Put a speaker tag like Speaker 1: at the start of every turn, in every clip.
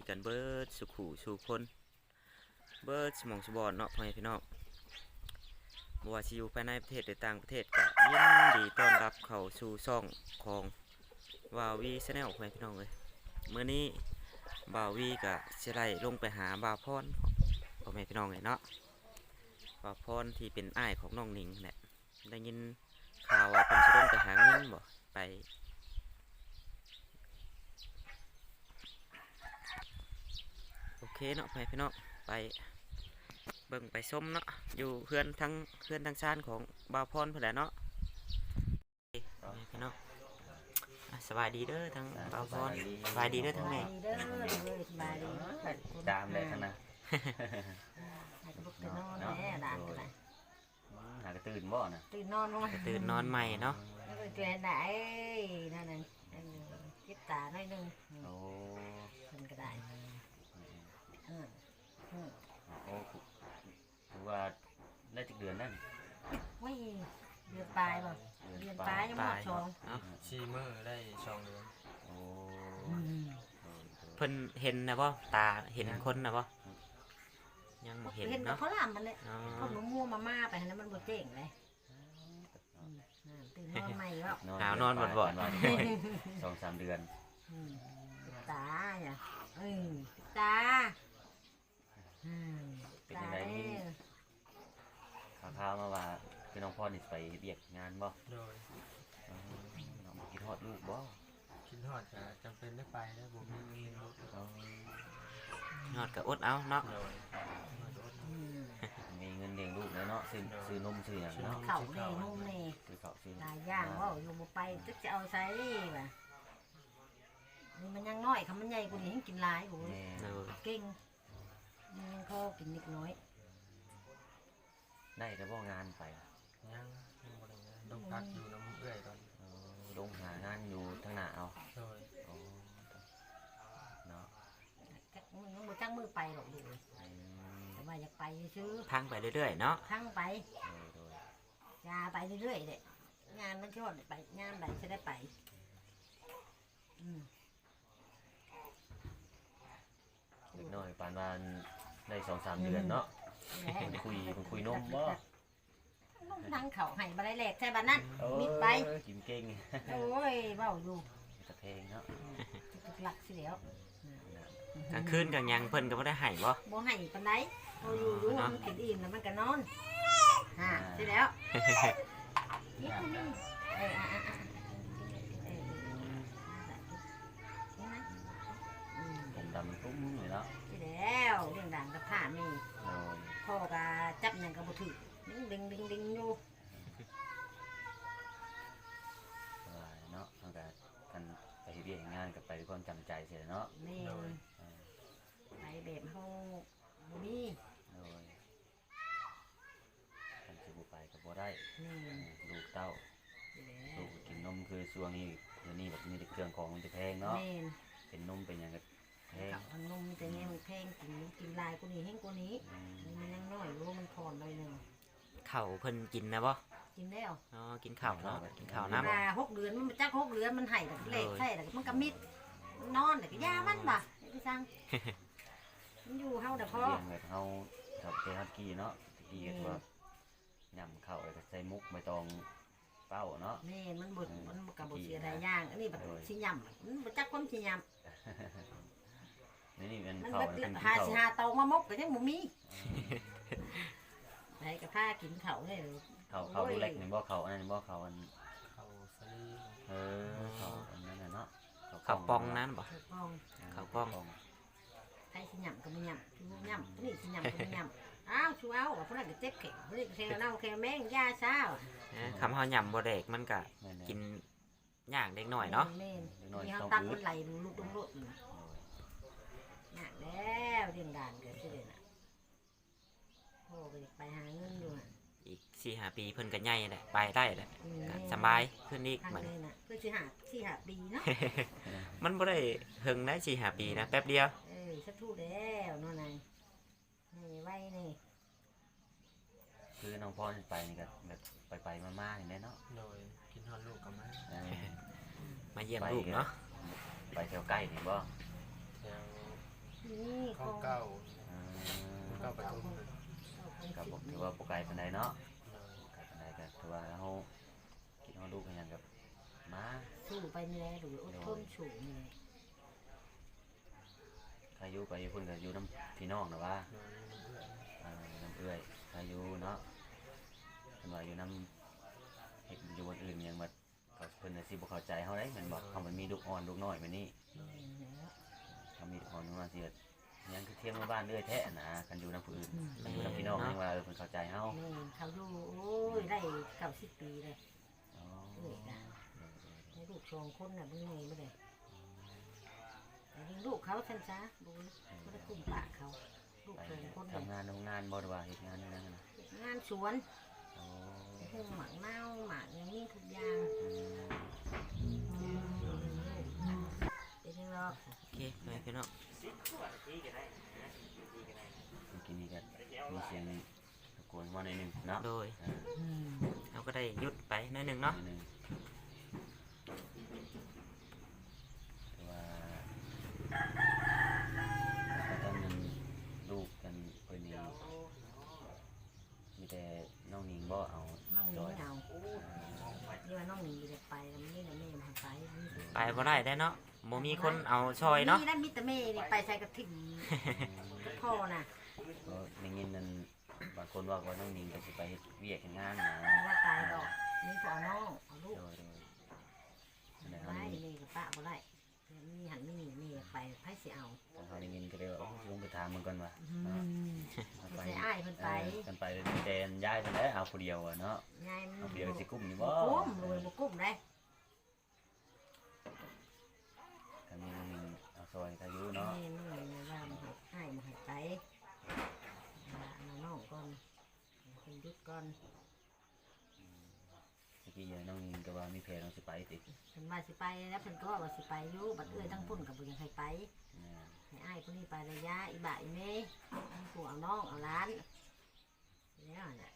Speaker 1: กันเบิดสุขูสู่คนเบิดสมองสบอนเนาะพ่อแม่พี่น้องบ่ว่าสิอยู่ภายในประเทศหรือต่างประเทศก็ยินดีต้อนรับเข้าสู่ช่องของวาวีชาแนลพ่อแม่พี่น้องเลยมื้อนี้บ่าววีก็สิไล่ลงไปหาบ่าวพรพ่อแม่พี่น้องเลยเนาะบ่าวพรที่เป็นอ้ายของน้องหนิงแหละได้ยินข่าวว่าเพิ่นสิลงไปหาเงินบ่ไปโอเคเนาะพ่อแม่พี่น้องไปเบิ่งไปส้มเนาะอยู่เพื่อนทั้งชานของบ่าวพรเพิ่นแหละเนาะพ่อแม่พี่น้องสบายดีเด้อทั้งบ่าวพรสบายดีเด้อทั้งแม่
Speaker 2: เด้อเลยสบายดี
Speaker 3: ตามเลยท่านนะ
Speaker 2: ให้ลูกตื่นนอนแม่ด่านกันนะ
Speaker 3: หากระตื่นบ่นะ
Speaker 2: ตื่นนอนลงมา
Speaker 1: ตื่นนอนใหม่เนาะ
Speaker 2: แล้วก็เจอไหนนั่นน่ะเจ็บตาหน่อยนึง
Speaker 3: โอ้
Speaker 2: ขึ้นก็ได้อืม
Speaker 3: โอ้ถือว่าได้จักเดือนนั่น
Speaker 2: ว้ยเดือนปลายบ่เดือนปลายยังหมดชง
Speaker 1: เนาะ
Speaker 4: ชีเมอร์ได้ช่องเดือน
Speaker 3: โอ้
Speaker 1: เพิ่นเห็นนะบ่ตาเห็นคนนะบ่ยังบ่เห็น
Speaker 2: เห็นกับ
Speaker 1: เนาะ
Speaker 2: เขาลามมันเลย
Speaker 1: อ๋อ
Speaker 2: เขาหนูมัวมาม่าไปนะมันบ่เจ๋งเลยตื่นนอนใหม่ก็
Speaker 1: หาวนอนบ่อน
Speaker 3: 2-3 เดือน
Speaker 2: ตาเนี่ยตาตาเนี่ย
Speaker 3: ข่าวมาว่าพี่น้องพ่อนี่ไปเบียกงานบ่
Speaker 4: โดย
Speaker 3: น้องคิดฮอดลูกบ่
Speaker 4: คิดฮอดจะจำเป็นได้ไปแล้วผมมีเงินลูก
Speaker 1: ยอดก็อดเอาเนาะ
Speaker 4: โดย
Speaker 3: มีเงินเลี้ยงลูกแล้วเนาะซื้อนมซื้อหยังเนาะ
Speaker 2: เข่าเน่นุ่มเน่
Speaker 3: ซื้อข้าวซื้อ
Speaker 2: หลายอย่างว่าอยู่บ่ไปจะเอาใส่ป่ะนี่มันยังน้อยคำมันใหญ่กว่านี้ให้กินหลายโอ้ย
Speaker 3: แม่
Speaker 1: เออ
Speaker 2: เก่งมันยังพอกินนิดน้อย
Speaker 3: ได้แต่บ่งานไป
Speaker 4: ยังบ่ได้งานต้องพักอยู่น้ำเอื้อยตอน
Speaker 3: ลงหางานอยู่ทางหน้าเอา
Speaker 4: โดย
Speaker 3: โอ้เนาะ
Speaker 2: มันยังบ่จังมือไปหรอกดูแต่ว่าอยากไปซื้อ
Speaker 1: ทางไปเรื่อยๆเนาะ
Speaker 2: ทั้งไป
Speaker 3: โดย
Speaker 2: ยาไปเรื่อยๆเด็งานมันชอบไปงานใดจะได้ไป
Speaker 3: เล็กน้อยปานว่าได้ 2-3 เดือนเนาะมันคุยนมบ่
Speaker 2: นั่งเข่าให้บาได้แหลกใช่บ้านนั้นมิดไป
Speaker 3: กินเก่ง
Speaker 2: โอ้ยเบ้าอยู่
Speaker 3: ตะเพงเนาะ
Speaker 2: หลักสิแล้ว
Speaker 1: กลางคืนกลางยังเพิ่นก็บ่ได้ให้บ่
Speaker 2: บ่ให้ปานใดโอ้อยู่อยู่มันกินอิ่มแล้วมันก็นอนใช่แล้วนี่
Speaker 3: ผมดำตุ้มเลยเนาะ
Speaker 2: ใช่แล้วเรื่องด่างกับผ้านี่
Speaker 3: โดย
Speaker 2: พ่อก็จับหยังก็บ่ถือดึงอยู่
Speaker 3: เนาะตั้งแต่กันไปเรียนงานกับไปด้วยความจำใจเสียเนาะ
Speaker 2: นี่ไปแบบเฮาบ่มี
Speaker 3: โดยกันสิบ่ไปก็บ่ได้
Speaker 2: นี่
Speaker 3: ลูกเต้า
Speaker 2: ใช่แล้
Speaker 3: ลู
Speaker 2: ว
Speaker 3: กกินนมคือช่วงนี้เดี๋ยวนี้แบบมีแต่เครื่องของมันจะแพงเนาะ
Speaker 2: แม่น
Speaker 3: เป็นนมเป็นหยังก็แพง
Speaker 2: กับขนมแต่เนี่ยมันแพงกินลายกว่านี้แห้งกว่านี้นี่มันยังน้อยรู้มันพอนเลยหนึ่ง
Speaker 1: ข้าวเพิ่นกินนะบ่
Speaker 2: กินแล้ว
Speaker 1: อ๋อกินข้าวเนาะกินข้าว
Speaker 2: เว
Speaker 1: น้ำ
Speaker 2: ลา6 เดือนมันจัก6 เดือนมันไห้แต่เล็กใช่แต่มันก็มิดมันนอนแต่ก็ยามันบ่ะไอ้พี่ซังมันอยู่เฮาแต่พอ
Speaker 3: เลี้ยงแบบเฮากับเตฮักกี้เนาะตะกี้ก็ว่าย่ำเข้าแล้วก็ใส่มุกใบตองเป้าเนาะ
Speaker 2: แม่มันบ่มันก็บ่เสียดายย่างอันนี้แบบสิยำมันบ่จักความสิย
Speaker 3: นี่มัน
Speaker 2: ำมัน
Speaker 3: เข้า
Speaker 2: แบบ
Speaker 3: แล้วเป็น
Speaker 2: หา
Speaker 3: เข้า
Speaker 2: สิหาเตามามกก็ยังบ่มีไผก็พากินข้าวนี่
Speaker 3: เข้าดูเล็กนี่บ่เข้าอันนั้นบ่เข้าอัน
Speaker 4: เขาสลี
Speaker 3: เข้าอันนั้นน่ะเนาะ
Speaker 1: ข้าวปองนั้นบ่
Speaker 2: ป้อง
Speaker 1: ข้าวกล้อง
Speaker 2: ใครสิยำก็ไม่ยำชูยำนี่สิยำก็ไม่ยำอ้าวชูเอาว่าพวกนั้นก็เจ็บแข็งพวกนี้ก็เซลเน่าแค่แมงยาซ่า
Speaker 1: คำเฮาย่ำบ่แดกมันก็กินยากเล็กน้อยเนาะ
Speaker 2: แม่นี่เขาตักคนไหลลูกตำรวจหนักแล้วเรื่องด่านเกิดขึ้นเลยนะพ่อก็ไปหาเงินอยู่
Speaker 1: อีก 4-5 ปีเพิ่นก็ใหญ่แหละไปได้แหละก็สบายขึ้นอีก
Speaker 2: ทาง
Speaker 1: มัน
Speaker 2: เลยนะเพื่อที่หาปีเนาะ
Speaker 1: มันบ่ได้เฮิงได้4-5 ปีนะแป๊บเดียว
Speaker 2: สักทู่แล้วนั่นไงนี่ไว้นี่
Speaker 3: คือน้องพ่อไปนี่ก็แบบไปมาๆอย่างนี้เนาะ
Speaker 4: โดยกินฮอดลูกกับมา
Speaker 1: มาเยี่ยมลูกเนาะ
Speaker 3: ไปแถวใกล้นี่บ่
Speaker 4: แถวเก้า
Speaker 3: เออ
Speaker 4: เก้าปทุมเลย
Speaker 3: ก็บอกถือว่าปกไก่ปานใดเนาะไก่ปานใดก็ถือว่าเฮาคิดเฮาลูกกันหยังกับมา
Speaker 2: สู้ไปนี่แหละหรืออดทนสู้นี่แหละ
Speaker 3: ถ้าอยู่ไปอยู่พุ่นก็อยู่น้ำพี่น้องนะว่า น้ำเอื้อยถ้าอยู่เนาะเพิ่นว่าอยู่น้ำเฮ็ดอยู่บนอื่นหยังบัดก็เพิ่นน่ะสิบ่เข้าใจเฮาได้แม่นบ่เฮามันมีลูกอ่อนลูกน้อยแบบนี้
Speaker 2: แล้ว
Speaker 3: เฮามีลูกอ่อนลูกน้อยสิเฮ็ดหยังคือเที่ยงมาบ้านเอื้อยแท้นะคันอยู่น้ำผู้อื่นคันอยู่น้ำพี่น้องยังว่าเพิ่นเข้าใจเฮา
Speaker 2: นี่เขาอยู่โอ้ยได้90 ปีเลย
Speaker 3: อ๋อ
Speaker 2: เอ้ยนะให้ลูก2 คนน่ะเบิ่งไงบ่ได้แต่เลี้ยงลูกเขาซั่นซะบ่ได้กุ้มปากเขาลูก
Speaker 3: ไป
Speaker 2: 2 คน
Speaker 3: ทำงานโรงงานบ่ได้ว่าเฮ็ดงานนั่นนะ
Speaker 2: งานสวน
Speaker 3: อ๋อ
Speaker 2: หุ้มหมักเน่าหมักอย่างนี้ทุกอย่าง เป็นยังไง
Speaker 1: โอเคไปพี่น้อง
Speaker 3: เมื่อกี้นี้ก็มีเสียงตะโกนมาหน่อยหนึงเนาะ
Speaker 1: โดย
Speaker 3: อ่า
Speaker 1: เราก็ได้หยุดไปหน่อยหนึงเนาะ
Speaker 3: หอยหนึ่งแต่ว่าก็ต้องเงินลูกกันเพิ่นนี่มีแต่น้องหนิงบ่เอา
Speaker 2: น้องหนิงเอาเรียกว่าน้องหนิงจะไปแล้วนี่นะแม่มาไป
Speaker 1: ไปบ่ได้ได้เนาะบ่มีคนเอาช่อยเนาะ
Speaker 2: นี่นะมิตรแม่นี่ไปใส่กระถิ่นพ่อน่ะ
Speaker 3: ก็ได้ยินนั่นบางคนว่าน้องหนิงก็สิไปเฮ็ดเวียกเฮ็ดงานนะ
Speaker 2: ว่าตายดอกนี่พอเอาน้องเอาลูก
Speaker 3: โดยนั่นแหละ
Speaker 2: ไล่นี่กับป้าบ่ได้นี่หันนี่นี่ไปไผสิเอา
Speaker 3: ทางเขาได้ยินก็เลยว่าลงไปถามมันก่อนว่า
Speaker 2: ไปใส่อ้ายเพิ่นไป
Speaker 3: กันไปมีแต่ย้ายไปแล้วเอาผู้เดียวอะเนาะ
Speaker 2: ยายมัน
Speaker 3: เอาผู้เดียวสิกุ้มนี่
Speaker 2: บ่
Speaker 3: บ่
Speaker 2: กุ้มรวยบ่กุ้มได้
Speaker 3: กันมีน้องหนิงเอาซอยถ้าอยู่เนาะ
Speaker 2: นี่น้องหนิงว่ามาให้อ้ายมาให้ไปน้องก่อนเพิ่นหยุดก่อน
Speaker 3: เมื่อกี้น้องหนิงก็ว่ามีแผนเราสิไปติ
Speaker 2: เพิ่นว่าสิไปแล้วเพิ่นก็ว่าสิไปอยู่บัดเอ้ยทั้งพุ่นก็บ่ยังให้ไป
Speaker 3: แม่
Speaker 2: ให้อ้ายผู้นี้ไประยะอีบ่าอีเมย์ให้ผัวเอาน้องเอาหล้านแล้วน่ะ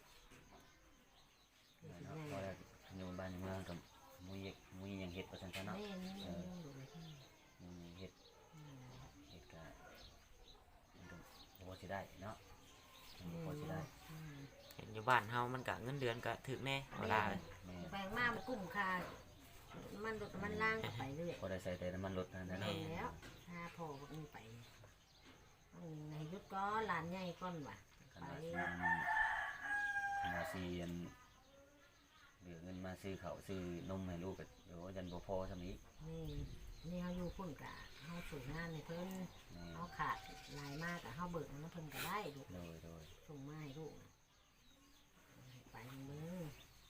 Speaker 3: เนาะเพราะว่าอยู่บ้านในเมืองกับมุยยังเฮ็ดประชันซะเนาะ
Speaker 2: แม่นี่ดูเลย
Speaker 3: เฮ็ดก็มันก็พอสิได้เนาะพอสิได้
Speaker 1: เห็นอยู่บ้านเฮามันก็เงินเดือนก็ถึกแน่เวลา
Speaker 3: แม่
Speaker 2: แปลงมามันกุ้มค่ามันรถมันล่างก็ไปเรื่อย
Speaker 3: พอได้ใส่แต่น้ำมันรถนั่นนะ
Speaker 2: แล้วถ้าพ่อก็มีไปให้หยุดก็หลานใหญ่ก่อนว่ะ
Speaker 3: คัน
Speaker 2: ไป
Speaker 3: ว่าคันว่าสิอันเหลือเงินมาซื้อข้าวซื้อนมให้ลูกก็โอ้ยันบ่พอซำนี้
Speaker 2: นี่เขาอยู่พุ่นกะเขาสูงงานในเพิ่น
Speaker 3: แม่
Speaker 2: เขาขาดลายมากอะเขาเบิกน้ำเพิ่นก็ได้ลูก
Speaker 3: โดย
Speaker 2: ส่งมาให้ลูกน่ะไปมือ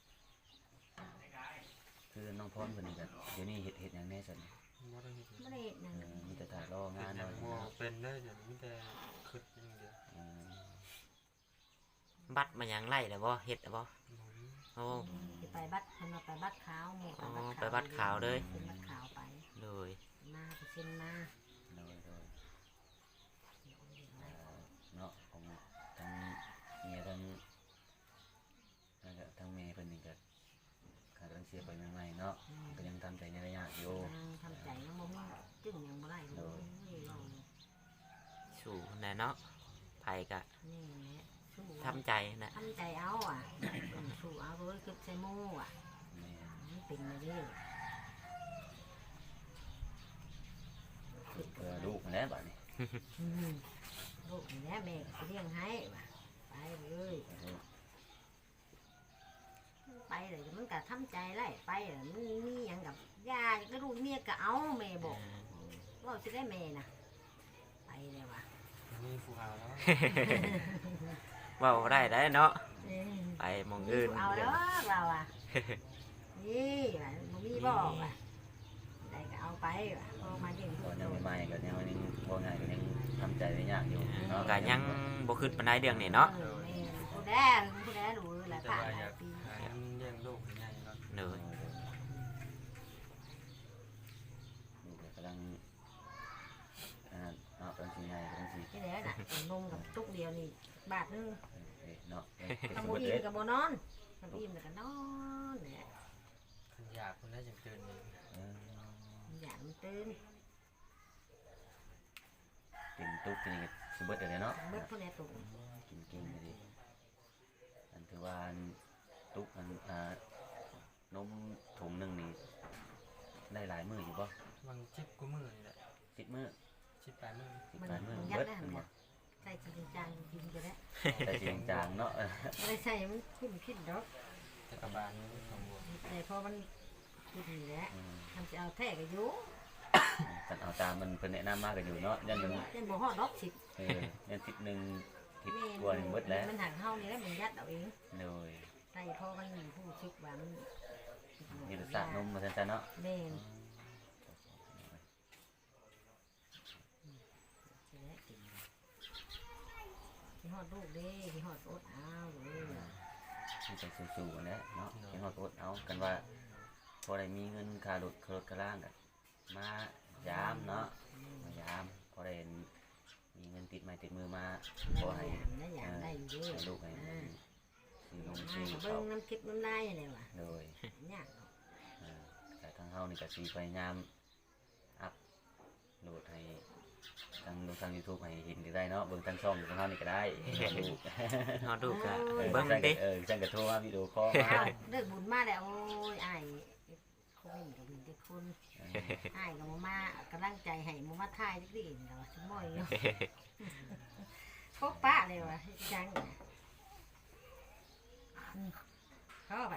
Speaker 3: คือน้องพรเพิ่นนี่ก็เดี๋ยวนี้เฮ็ดหยังแน่ซั่น
Speaker 4: บ่ได้เฮ็ด
Speaker 2: ไม่ได้นั่น
Speaker 3: มีแต่ถ่ายรองาน
Speaker 4: หยั
Speaker 3: เนาะ
Speaker 4: งบ่เป็นได้เดี๋ยวมีแต่คิดอย่างเดียว
Speaker 1: บัตรมันยังไล่แล้วบ่เฮ็ดแล้วบ่
Speaker 4: บ่มี
Speaker 1: โอ้
Speaker 2: จะไปบัดเพิ่นมาไปบัดขาวหมู่
Speaker 1: อ๋อไปบัดขาวเลย
Speaker 2: เป็นบัดขาวไป
Speaker 1: เลย
Speaker 2: มาไปเซ็นมา
Speaker 3: โดยเนาะของทั้งเมียทั้งนั่นก็ทั้งแม่เพิ่นนี่ก็ขาดเรื่องเสียไปใหม่ๆเนาะก็ยังทำใจในระยะอยู่
Speaker 2: ทำใจยังบ่มีจึงยังบ่ได้เลยเรา
Speaker 1: สู่แน่เนาะไผก็
Speaker 2: นี่แหละสู้
Speaker 1: ทำใจนะ
Speaker 2: ทำใจเอาอ่ะสู้เอาเลยคือใส่หมู่อ่ะ
Speaker 3: แม่
Speaker 2: มันเป็นมาเรื่อย
Speaker 3: เพื่อลูกนั่นแหล้วบัดนี้
Speaker 2: ลูกนี่แหละแม่ก็สิเลี้ยงให้ว่ะไปเลยไปเลยมันก็ทำใจไล่ไปเลยมันมีหยังกับยาก็ลูกเมียก็เอาแม่บอกว่าสิได้แม่น่ะไปเลยว่ะ
Speaker 4: มีผู้เอาแล้ว
Speaker 1: เว้าได้ได้เนาะ
Speaker 2: เออ
Speaker 1: ไปหมองอื่น
Speaker 2: เอาแล้วเราอ่ะนี่ว่ะบ่มีบอกว่ะได้ก็เอาไปว่ะพอมาเลี้ยงลู
Speaker 3: ตอก น
Speaker 2: โด
Speaker 3: ยัง
Speaker 2: น
Speaker 3: ใหม่ๆก็ยังบ่ง่ายก็ยังทำใจได้ยากอยู่เนาะ
Speaker 1: ก็ยังบ่คิดปานใดเรื่องนี้เนาะ
Speaker 2: ผู้แดรู้แหละ
Speaker 4: แต่
Speaker 2: ผ่าน
Speaker 4: ว่า
Speaker 2: ห
Speaker 4: อ
Speaker 2: ลาย
Speaker 4: ยาก
Speaker 2: ปี
Speaker 4: หาเงินเลี้ยงลูกให้ใหญ่เนาะ
Speaker 1: เลย
Speaker 3: ลูกก็กำลังเนาะกำลังสิใหญ่กำลังสิ
Speaker 2: ที่ไหนน่ะนมกับตุ๊กเดียวนี่บาทนึง
Speaker 3: เนาะ
Speaker 2: ทำบุญกับโบนอนทำอิ่มแล้วก็นอนเนี่ย
Speaker 4: คันอยากคนได้จังตื่นนี่
Speaker 2: อยากมันตื่น
Speaker 3: เต็มโตตุ๊กกินก็สิเบิดเลยเนาะ
Speaker 2: เบิดพุ่นแหละตุก
Speaker 3: กินเก่งเลยดิอันถือว่าอันตุ๊กอันนมถุงหนึงนี่ได้หลายมื้ออยู่บ่
Speaker 4: บางชิปกูมือนี่แหละ
Speaker 3: 10 มื้อ
Speaker 4: ชิป8 มื้อ
Speaker 3: 10
Speaker 2: มัน
Speaker 3: หลายมื้อ
Speaker 2: ยัด
Speaker 3: เบิด
Speaker 2: ได้
Speaker 3: แม่นบ่
Speaker 2: ใส่จริงจังกินก็ได้
Speaker 3: แต่เสียงจางเนาะ
Speaker 2: ไม่ได้ใส่มันขึ้นดอก
Speaker 4: แต่กระบาลนี่ของบัว
Speaker 2: แต่พอมันขึ้นนี่แหละ
Speaker 3: อืม
Speaker 2: ทำจะเอาแท้ก็อยู่
Speaker 3: กันเอาตามมันเพิ่นแนะนำมาก็อยู่เนาะยันมัน
Speaker 2: เล่นบ่ฮอดดอกสิ
Speaker 3: ยันทิศหนึงทิศกว่าหนึงเบิดแล้ว
Speaker 2: มันหักเฮานี่แหละมันยัดเอาเอง
Speaker 3: โดย
Speaker 2: ใส่พอมันผู้ชึกว่ามัน
Speaker 3: มีรสชาตินมมาซั่นๆเนาะ
Speaker 2: แม่นที่ฮอดลูกเด้ที่ฮอดอดอ้าวเลย
Speaker 3: มันไปสู้ๆกันแหล้วเนาะยังเอาอดเอากันว่าพอได้มีเงินค่ารถกระล่างกันมายามเนาะมายามพอได้มีเงินติดไม้ติดมือมาพอให้
Speaker 2: ได้อย่างได้อยู่ด้วย
Speaker 3: ให้ลูกให้ซื้อนมซื้อ
Speaker 2: เบิ่
Speaker 3: ข้าว
Speaker 2: งน้ำคลิปน้ำลายอะไรวะ
Speaker 3: โดย
Speaker 2: ยาก
Speaker 3: แต่ทางเฮานี่ก็สิพยายามอัพโหลดให้ทางดูทาง YouTube ให้เห็นได้เนาะเบิ่งทางช่องของเฮานี่ก็ได้ดู
Speaker 1: เฮาดูก็
Speaker 3: เบิ่
Speaker 1: เบิ่
Speaker 3: ง
Speaker 1: ง
Speaker 3: จัง
Speaker 1: ติ
Speaker 3: จังก็โทรมาวิดีโอคอลมา
Speaker 2: อ้าวเลิกบุญมาแล้วโอ้ยอ้ายคนกับบุญที่คุณอ้ายกับมากำลังใจให้มมาทายจักดิเราสมอยอยู่พบป้าเลยวะจังเข้าไป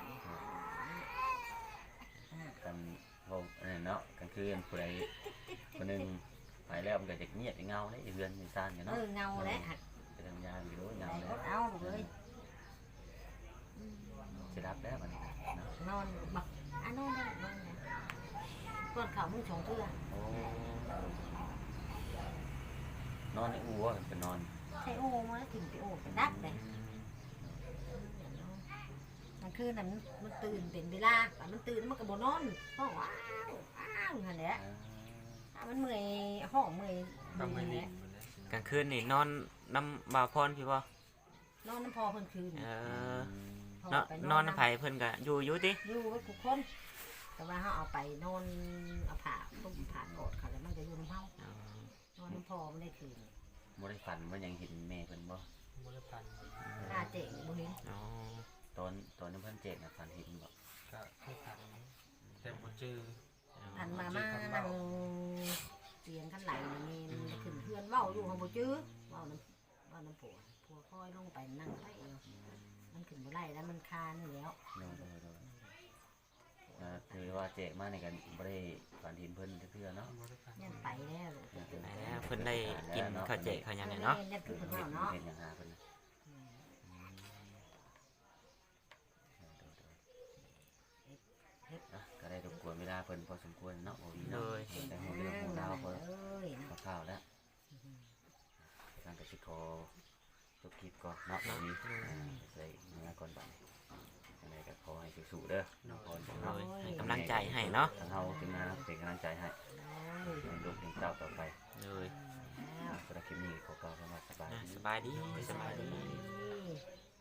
Speaker 3: กันพวกนั่นเนาะกันคือผู้ใดคนหนึงไปแล้วมันก็จะเงียบเงาเลยเรือนมีซ่านกัน
Speaker 2: เอ
Speaker 3: เนาะ
Speaker 2: อเงาแล้วหัก
Speaker 3: ไปทำงานอยู่ด้วยเงาเลย
Speaker 2: เอาเลย
Speaker 3: จะรับแล้วมันเนาะ
Speaker 2: นอนบักนอนได้นอนได้ก้อนเขามึงชงเทื่อ
Speaker 3: โอ้นอนในอู่ว่าเป็นนอน
Speaker 2: ใช่โอ้มาถึงไปโอ้ไปดักเลยมันคือน่ะมันตื่นเป็นเวลามันตื่นมันก็บ่นอนห้องว้าวอ้าวนั่นแหละมันเมื่อยห้องเมื่อย
Speaker 4: ก็ไม่
Speaker 2: นี่
Speaker 4: ดี
Speaker 2: แหละ
Speaker 4: หมดแล้วสิ
Speaker 1: กลางคืนนี่นอนน้ำบ่าวพรพี่บ่
Speaker 2: นอนน้ำพอเพิ่นคืน พ
Speaker 1: เนาะ
Speaker 2: ไป
Speaker 1: นอนน้ำไผเพิ่นก็อยู่ติ
Speaker 2: อยู่กับทุกคนแต่ว่าเขาเอาไปนอนเอาผ้าตุ้มผ้ากอดเขาแล้วมันก็อยู่น้ำเฮานอนน้ำพอไม่ได้คืน
Speaker 3: บ่ได้ฝันว่ายังเห็นแม่เพิ่นบ่
Speaker 4: บริพันธ์
Speaker 2: ตาเจ๋งบ่เห็น
Speaker 1: อ๋อ
Speaker 3: ตอนนั้นเพิ่นเจ็บนะฝันเห็นบ่
Speaker 4: ก็เคยพันแต่บ่เจอ
Speaker 2: อันมานั่งเตียงขันไหลนี่มันขึ้นเพื่อนเว้าอยู่ของบ่จื้อเว้าน้ำผัวคอยลงไปนั่งไปเองมันขึ้นบ่ไล่แล้วมันคานแล้ว
Speaker 3: โดยคือว่าเจ็บมากในกันบ่ได้ฝันเห็นเพิ่นเทื่อเนาะ
Speaker 4: บริพันธ์
Speaker 2: ยันไปแล้ว
Speaker 1: ไปแล้วเพิ่นได้กินข้าวเจ๊ข้าวหยังเนี่ยเนาะ
Speaker 2: ยันคือเพิ่นเว้าเนาะ
Speaker 3: เห็นอย่างหาเพิ่นก็ได้รบกวนเวลาเพิ่นพอสมควรเนาะบ่มี
Speaker 1: เล
Speaker 3: เนาะ
Speaker 1: ย
Speaker 3: แต่ของเรื่องของราวพอ
Speaker 2: เอ้ย
Speaker 3: ข้าวๆแล้วนั่นก็สิขอจบคลิปก่อนเนาะวันนี้ใส่เนื้อก่อนบัดอะไรก็ขอให้สู้ๆเด้อน้องพร
Speaker 1: เลยให้กำลังใจให้เนาะ
Speaker 3: ทางเฮาทีมงานเป็นกำลังใจให้ให้ลูกเลี้ยงเต้าต่อไป
Speaker 1: เลย
Speaker 3: สำหรับคลิปนี้ขอกล่าวคำว่าสบาย
Speaker 1: อ่ะ
Speaker 3: ดี
Speaker 1: สบายดีสบายดี
Speaker 2: ดี